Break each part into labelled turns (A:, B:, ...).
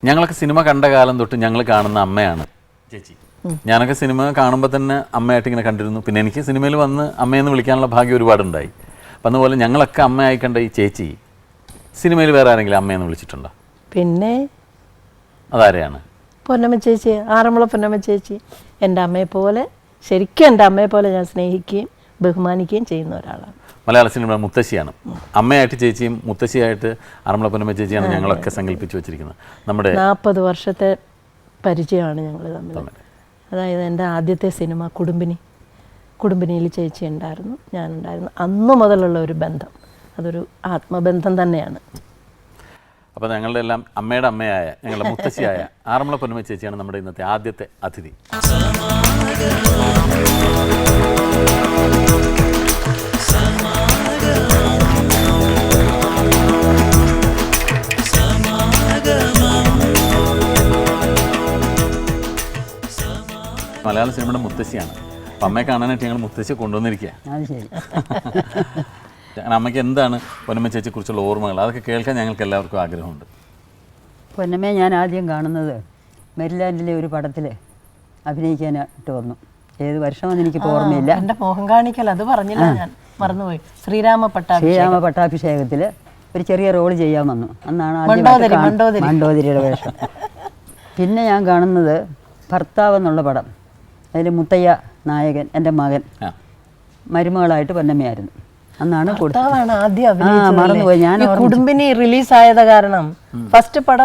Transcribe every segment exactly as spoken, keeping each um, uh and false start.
A: ഞങ്ങളൊക്കെ സിനിമ കണ്ട കാലം തൊട്ട് ഞങ്ങൾ കാണുന്ന അമ്മയാണ് ചേച്ചി. ഞാനൊക്കെ സിനിമ കാണുമ്പോൾ തന്നെ അമ്മയായിട്ട് ഇങ്ങനെ കണ്ടിരുന്നു. പിന്നെ എനിക്ക് സിനിമയിൽ വന്ന് അമ്മയെന്ന് വിളിക്കാനുള്ള ഭാഗ്യം ഒരുപാടുണ്ടായി. അപ്പം അതുപോലെ ഞങ്ങളൊക്കെ അമ്മയായി കണ്ട ഈ ചേച്ചി സിനിമയിൽ വേറെ ആരെങ്കിലും അമ്മയെന്ന് വിളിച്ചിട്ടുണ്ടോ?
B: പിന്നെ
A: അതാരെയാണ്?
B: പൊന്നമ്മ ചേച്ചി, ആറന്മുള പൊന്നമ്മ ചേച്ചി. എൻ്റെ അമ്മയെ പോലെ, ശരിക്കും എൻ്റെ അമ്മയെ പോലെ ഞാൻ സ്നേഹിക്കുകയും ബഹുമാനിക്കുകയും ചെയ്യുന്ന ഒരാളാണ്.
A: മലയാള സിനിമ മുത്തശ്ശിയാണ്. അമ്മയായിട്ട് ചേച്ചിയും മുത്തശ്ശിയായിട്ട് ആറന്മുള പൊന്നമ്മ ചേച്ചിയാണ് ഞങ്ങളൊക്കെ സങ്കല്പിച്ച് വെച്ചിരിക്കുന്നത്. നമ്മുടെ
B: നാൽപ്പത് വർഷത്തെ പരിചയമാണ് ഞങ്ങൾ തമ്മിൽ. അതായത് എൻ്റെ ആദ്യത്തെ സിനിമ കുടുംബിനി, കുടുംബിനിയിൽ ചേച്ചി ഉണ്ടായിരുന്നു, ഞാനുണ്ടായിരുന്നു. അന്നു മുതലുള്ള ഒരു ബന്ധം, അതൊരു ആത്മബന്ധം തന്നെയാണ്.
A: അപ്പോൾ ഞങ്ങളുടെ എല്ലാം അമ്മയുടെ അമ്മയായ ഞങ്ങളുടെ മുത്തശ്ശിയായ ആറന്മുള പൊന്നമ്മ ചേച്ചിയാണ് നമ്മുടെ ഇന്നത്തെ ആദ്യത്തെ അതിഥി. മലയാള സിനിമയുടെ മുത്തശ്ശിയാണ്. അപ്പം അമ്മയെ കാണാനായിട്ട് ഞങ്ങൾ മുത്തശ്ശിയെ കൊണ്ടുവന്നിരിക്കുക. അമ്മയ്ക്ക് എന്താണ് പൊന്നമ്മ ചേച്ചിയെ കുറിച്ചുള്ള ഓർമ്മകൾ? അതൊക്കെ കേൾക്കാൻ ഞങ്ങൾക്ക് എല്ലാവർക്കും ആഗ്രഹമുണ്ട്.
C: പൊന്നമ്മയെ ഞാൻ ആദ്യം കാണുന്നത് മെരിലാൻഡിലെ ഒരു പടത്തിൽ അഭിനയിക്കാനായിട്ട് വന്നു. ഏത് വർഷമെന്ന് എനിക്ക് ഓർമ്മയില്ല.
B: എൻ്റെ മോഹം കാണിക്കൽ അത് പറഞ്ഞില്ല, ഞാൻ മറന്നുപോയി. ശ്രീരാമ പട്ടാഭിഷേകം
C: ശ്രീരാമ പട്ടാഭിഷേകത്തിൽ ഒരു ചെറിയ റോൾ ചെയ്യാൻ വന്നു. അന്നാണ് ആദ്യം മണ്ടോദരിയുടെ വേഷം. പിന്നെ ഞാൻ കാണുന്നത് ഭർത്താവ് എന്നുള്ള പടം. അതിൽ മുത്തയ്യ നായകൻ, എൻ്റെ മകൻ മരുമകളായിട്ട് പൊന്നമ്മയായിരുന്നു. അന്നാണ് മറന്നുപോയി ഞാൻ.
B: കുടുംബിനി റിലീസ് ആയത് കാരണം ഫസ്റ്റ് പടം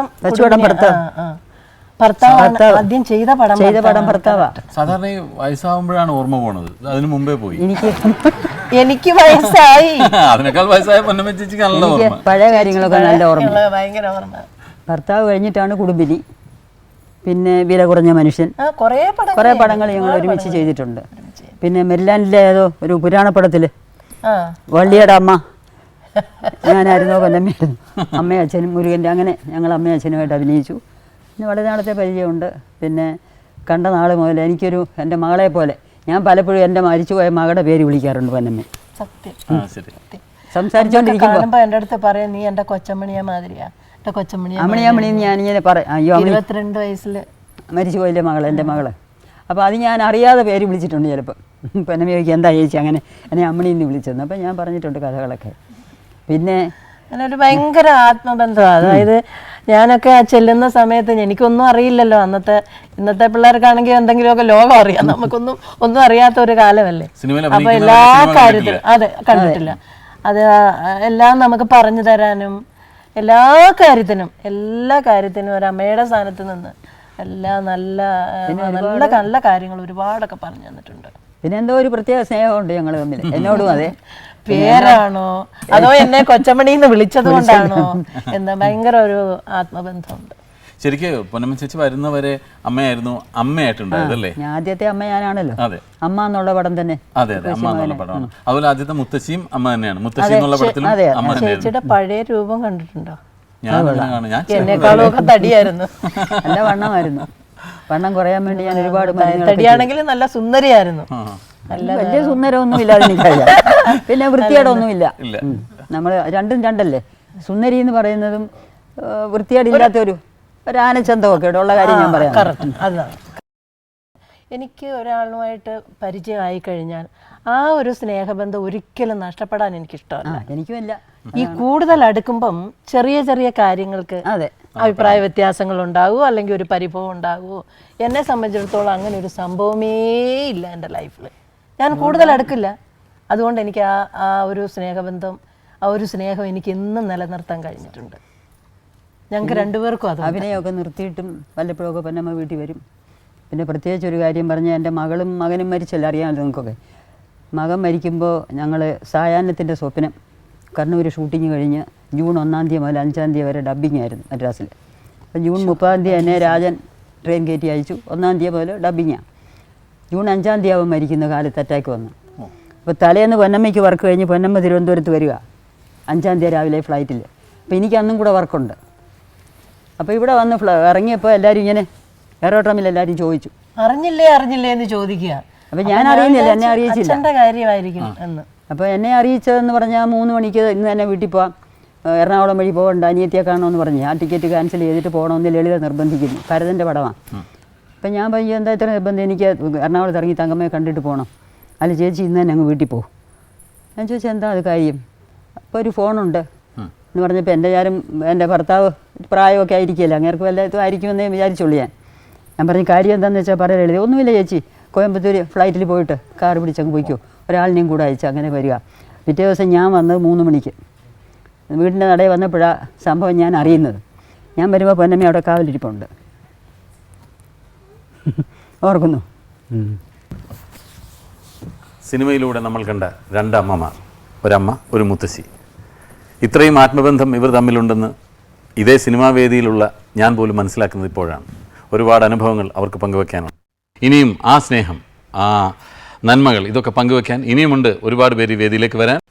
B: ഭർത്താവ് ആദ്യം ചെയ്ത പടം
C: ചെയ്ത പടം ഭർത്താവാ.
A: സാധാരണ ഈ വയസ്സാവുമ്പോഴാണ് ഓർമ്മ പോണത്, അതിന് മുമ്പേ പോയി.
C: എനിക്ക്
B: എനിക്ക് വയസ്സായി,
A: അതിനേക്കാൾ വയസ്സായ പൊന്നമ്മ ചേച്ചിക്ക് നല്ല ഓർമ്മ,
C: പഴയ കാര്യങ്ങളൊക്കെ നല്ല ഓർമ്മ.
B: ഭയങ്കര ഓർമ്മ.
C: ഭർത്താവ് കഴിഞ്ഞിട്ടാണ് കുടുംബിനി, പിന്നെ വില കുറഞ്ഞ മനുഷ്യൻ, കുറേ പടങ്ങൾ ഞങ്ങൾ ഒരുമിച്ച് ചെയ്തിട്ടുണ്ട്. പിന്നെ മെരിലാൻഡിലെ ഏതോ ഒരു പുരാണപ്പടത്തിൽ വള്ളിയുടെ അമ്മ ഞാനായിരുന്നോ പൊന്നമ്മയായിരുന്നു. അമ്മയും അച്ഛനും മുരുകൻ്റെ, അങ്ങനെ ഞങ്ങൾ അമ്മയും അച്ഛനുമായിട്ട് അഭിനയിച്ചു. പിന്നെ വളരെ നാളത്തെ പരിചയമുണ്ട്. പിന്നെ കണ്ട നാൾ മുതൽ എനിക്കൊരു എൻ്റെ മകളെ പോലെ, ഞാൻ പലപ്പോഴും എൻ്റെ മരിച്ചുപോയ മകളുടെ പേര് വിളിക്കാറുണ്ട് പൊന്നമ്മ. സംസാരിച്ചോണ്ടിരിക്കുമ്പോൾ
B: എൻ്റെ അടുത്ത് പറയാം, നീ എൻ്റെ കൊച്ചമ്മണിയെ മാതിരിയാ,
C: അമ്മണിയമ്മണി ഞാനിങ്ങനെ പറയാം. അയ്യോ,
B: ഇരുപത്തിരണ്ട് വയസ്സിൽ
C: മരിച്ചു പോയില്ലേ മകൾ, എൻ്റെ മകള്. അപ്പോൾ അത് ഞാൻ അറിയാതെ പേര് വിളിച്ചിട്ടുണ്ട് ചിലപ്പോൾ. പൊന്നമ്മ ചോദിക്കും എന്താ ചേച്ചി അങ്ങനെ എന്നെ അമ്മണിന്ന് വിളിച്ചതെന്ന്. അപ്പം ഞാൻ പറഞ്ഞിട്ടുണ്ട് കഥകളൊക്കെ. പിന്നെ
B: അങ്ങനെ ഒരു ഭയങ്കര ആത്മബന്ധമാണ്. അതായത് ഞാനൊക്കെ ചെല്ലുന്ന സമയത്ത് എനിക്കൊന്നും അറിയില്ലല്ലോ. അന്നത്തെ ഇന്നത്തെ പിള്ളേർക്കാണെങ്കിൽ എന്തെങ്കിലുമൊക്കെ ലോകം അറിയാം, നമുക്കൊന്നും ഒന്നും അറിയാത്ത ഒരു കാലമല്ലേ. അപ്പൊ എല്ലാ കാര്യത്തിലും അതെ കണ്ടിട്ടില്ല, അത് എല്ലാം നമുക്ക് പറഞ്ഞു തരാനും എല്ലാ കാര്യത്തിനും എല്ലാ കാര്യത്തിനും ഒരു അമ്മയുടെ സ്ഥാനത്ത് നിന്ന് എല്ലാ നല്ല നല്ല നല്ല കാര്യങ്ങൾ ഒരുപാടൊക്കെ പറഞ്ഞു തന്നിട്ടുണ്ട്.
C: പിന്നെ എന്തോ ഒരു പ്രത്യേക സ്നേഹമുണ്ട് ഞങ്ങൾ തമ്മിൽ, എന്നോടും അതെ.
B: പേരാണോ അതോ എന്നെ കൊച്ചമണിന്ന് വിളിച്ചത് കൊണ്ടാണോ എന്താ ഭയങ്കര ഒരു ആത്മബന്ധമുണ്ട്.
A: ശരിക്കും പൊന്നമ്മ ചേച്ചി വരുന്നവരെ അമ്മയായിരുന്നു അമ്മയായിട്ടുണ്ടായതല്ലേ?
C: ആദ്യത്തെ അമ്മ ഞാനാണല്ലോ.
A: അതെ,
C: അമ്മ എന്നുള്ള പടം തന്നെ.
A: അതെ അതെ, അമ്മ എന്നുള്ള പടമാണ്. അതുപോലെ ആദ്യത്തെ മുത്തശ്ശിയും അമ്മ തന്നെയാണ്. മുത്തശ്ശി എന്നുള്ള പടത്തിലും അമ്മ തന്നെയാണ്.
B: ചേച്ചിയുടെ പഴയ രൂപം കണ്ടിട്ടുണ്ടോ?
A: എന്നെക്കാളും
B: ഒക്കെ തടിയായിരുന്നു,
C: നല്ല വണ്ണമായിരുന്നു. വണ്ണം കുറയാൻ വേണ്ടി ഞാൻ ഒരുപാട്
B: തടിയാണെങ്കിൽ നല്ല സുന്ദരിയായിരുന്നു.
C: വലിയ സുന്ദരമൊന്നും ഇല്ലാതെ എനിക്കറിയാം. പിന്നെ വൃത്തികേടൊന്നുമില്ല. നമ്മൾ രണ്ടും രണ്ടല്ലേ. സുന്ദരി എന്ന് പറയുന്നതും വൃത്തികേടില്ലാത്തൊരു ഒരു ആനച്ചന്തമൊക്കെ ഉള്ള കാര്യം ഞാൻ പറയാം.
B: അതാണ്. എനിക്ക് ഒരാളുമായിട്ട് പരിചയമായി കഴിഞ്ഞാൽ ആ ഒരു സ്നേഹബന്ധം ഒരിക്കലും നഷ്ടപ്പെടാൻ എനിക്കിഷ്ടമല്ല.
C: എനിക്കുമില്ല.
B: ഈ കൂടുതൽ അടുക്കുമ്പം ചെറിയ ചെറിയ കാര്യങ്ങൾക്ക്
C: അതെ
B: അഭിപ്രായ വ്യത്യാസങ്ങൾ ഉണ്ടാകുമോ അല്ലെങ്കിൽ ഒരു പരിഭവം ഉണ്ടാകുമോ. എന്നെ സംബന്ധിച്ചിടത്തോളം അങ്ങനെ ഒരു സംഭവമേ ഇല്ല എൻ്റെ ലൈഫിൽ. ഞാൻ കൂടുതൽ അടുക്കില്ല. അതുകൊണ്ട് എനിക്ക് ആ ആ ഒരു സ്നേഹബന്ധം, ആ ഒരു സ്നേഹം എനിക്ക് ഇന്നും നിലനിർത്താൻ കഴിഞ്ഞിട്ടുണ്ട്. ഞങ്ങൾക്ക് രണ്ടുപേർക്കും അത്.
C: അഭിനയമൊക്കെ നിർത്തിയിട്ടും വല്ലപ്പോഴൊക്കെ പൊന്നമ്മ വീട്ടിൽ വരും. പിന്നെ പ്രത്യേകിച്ച് ഒരു കാര്യം പറഞ്ഞാൽ എൻ്റെ മകളും മകനും മരിച്ചല്ലോ, അറിയാമല്ലോ നിങ്ങൾക്കൊക്കെ. മകൻ മരിക്കുമ്പോൾ ഞങ്ങൾ സായാഹ്നത്തിൻ്റെ സ്വപ്നം കണ്ണൂർ ഷൂട്ടിങ് കഴിഞ്ഞ് ജൂൺ ഒന്നാം തീയതി മുതൽ അഞ്ചാം തീയതി വരെ ഡബ്ബിങ് ആയിരുന്നു മദ്രാസിൽ. അപ്പം ജൂൺ മുപ്പതാം തീയതി എന്നെ രാജൻ ട്രെയിൻ കയറ്റി അയച്ചു. ഒന്നാം തീയതി മുതൽ ഡബ്ബിങ്ങാണ്. ജൂൺ അഞ്ചാം തീയതി ആവും മരിക്കുന്ന കാലത്ത് അറ്റാക്ക് വന്നു. അപ്പോൾ തലേന്ന് പൊന്നമ്മയ്ക്ക് വർക്ക് കഴിഞ്ഞ് പൊന്നമ്മ തിരുവനന്തപുരത്ത് വരിക അഞ്ചാം തീയതി രാവിലെ ഫ്ലൈറ്റിൽ. അപ്പോൾ എനിക്ക് അന്നും കൂടെ വർക്കുണ്ട്. അപ്പോൾ ഇവിടെ വന്ന് ഫ്ല ഇറങ്ങിയപ്പോൾ എല്ലാവരും ഇങ്ങനെ എയറോട്രമിൽ എല്ലാവരും ചോദിച്ചു,
B: അറിഞ്ഞില്ലേ അറിഞ്ഞില്ലേ എന്ന് ചോദിക്കുക.
C: അപ്പോൾ ഞാൻ അറിയുന്നില്ല, എന്നെ അറിയിച്ചില്ല.
B: കാര്യമായിരിക്കും എന്ന്.
C: അപ്പോൾ എന്നെ അറിയിച്ചതെന്ന് പറഞ്ഞാൽ മൂന്ന് മണിക്ക് ഇന്ന് തന്നെ വീട്ടിൽ പോവാം, എറണാകുളം വഴി പോകണ്ട, അനിയത്തിയെ കാണണമെന്ന് പറഞ്ഞ് ആ ടിക്കറ്റ് ക്യാൻസൽ ചെയ്തിട്ട് പോകണമെന്ന് ലളിത നിർബന്ധിക്കുന്നു. ഭരതൻ്റെ പടമാണ്. അപ്പം ഞാൻ പറഞ്ഞു എന്താ ഇത്ര നിർബന്ധം, എനിക്ക് എറണാകുളത്ത് ഇറങ്ങി തങ്കമ്മയെ കണ്ടിട്ട് പോകണം. അല്ല ചേച്ചി ഇന്ന് തന്നെ അങ്ങ് വീട്ടിൽ പോകും. ഞാൻ ചോദിച്ചാൽ എന്താ അത് കാര്യം? അപ്പോൾ ഒരു ഫോണുണ്ട് എന്ന് പറഞ്ഞപ്പോൾ എൻ്റെ ഞാനും എൻ്റെ ഭർത്താവ് പ്രായമൊക്കെ ആയിരിക്കില്ല, അങ്ങേർക്ക് വല്ലതും ആയിരിക്കുമെന്നേ വിചാരിച്ചുള്ളൂ. ഞാൻ ഞാൻ പറഞ്ഞു കാര്യം എന്താണെന്ന് വെച്ചാൽ പറയാൻ എഴുതി. ഒന്നുമില്ല ചേച്ചി, കോയമ്പത്തൂർ ഫ്ലൈറ്റിൽ പോയിട്ട് കാർ പിടിച്ചങ്ങ് പോയിക്കോ, ഒരാളിനെയും കൂടെ അയച്ചു അങ്ങനെ വരിക. പിറ്റേ ദിവസം ഞാൻ വന്നത് മൂന്ന് മണിക്ക് വീടിൻ്റെ നടയിൽ വന്നപ്പോഴാണ് സംഭവം ഞാൻ അറിയുന്നത്. ഞാൻ വരുമ്പോൾ പൊന്നമ്മ അവിടെ കാവലിരിപ്പുണ്ട്. ഓർക്കുന്നു.
A: സിനിമയിലൂടെ നമ്മൾ കണ്ട രണ്ടമ്മമാർ, ഒരമ്മ ഒരു മുത്തശ്ശി, ഇത്രയും ആത്മബന്ധം ഇവർ തമ്മിലുണ്ടെന്ന് ഇതേ സിനിമാ വേദിയിലുള്ള ഞാൻ പോലും മനസ്സിലാക്കുന്നത് ഇപ്പോഴാണ്. ഒരുപാട് അനുഭവങ്ങൾ അവർക്ക് പങ്കുവെക്കാനുണ്ട്. ഇനിയും ആ സ്നേഹം, ആ നന്മകൾ, ഇതൊക്കെ പങ്കുവെക്കാൻ ഇനിയുമുണ്ട് ഒരുപാട് പേര് ഈ വേദിയിലേക്ക് വരാൻ.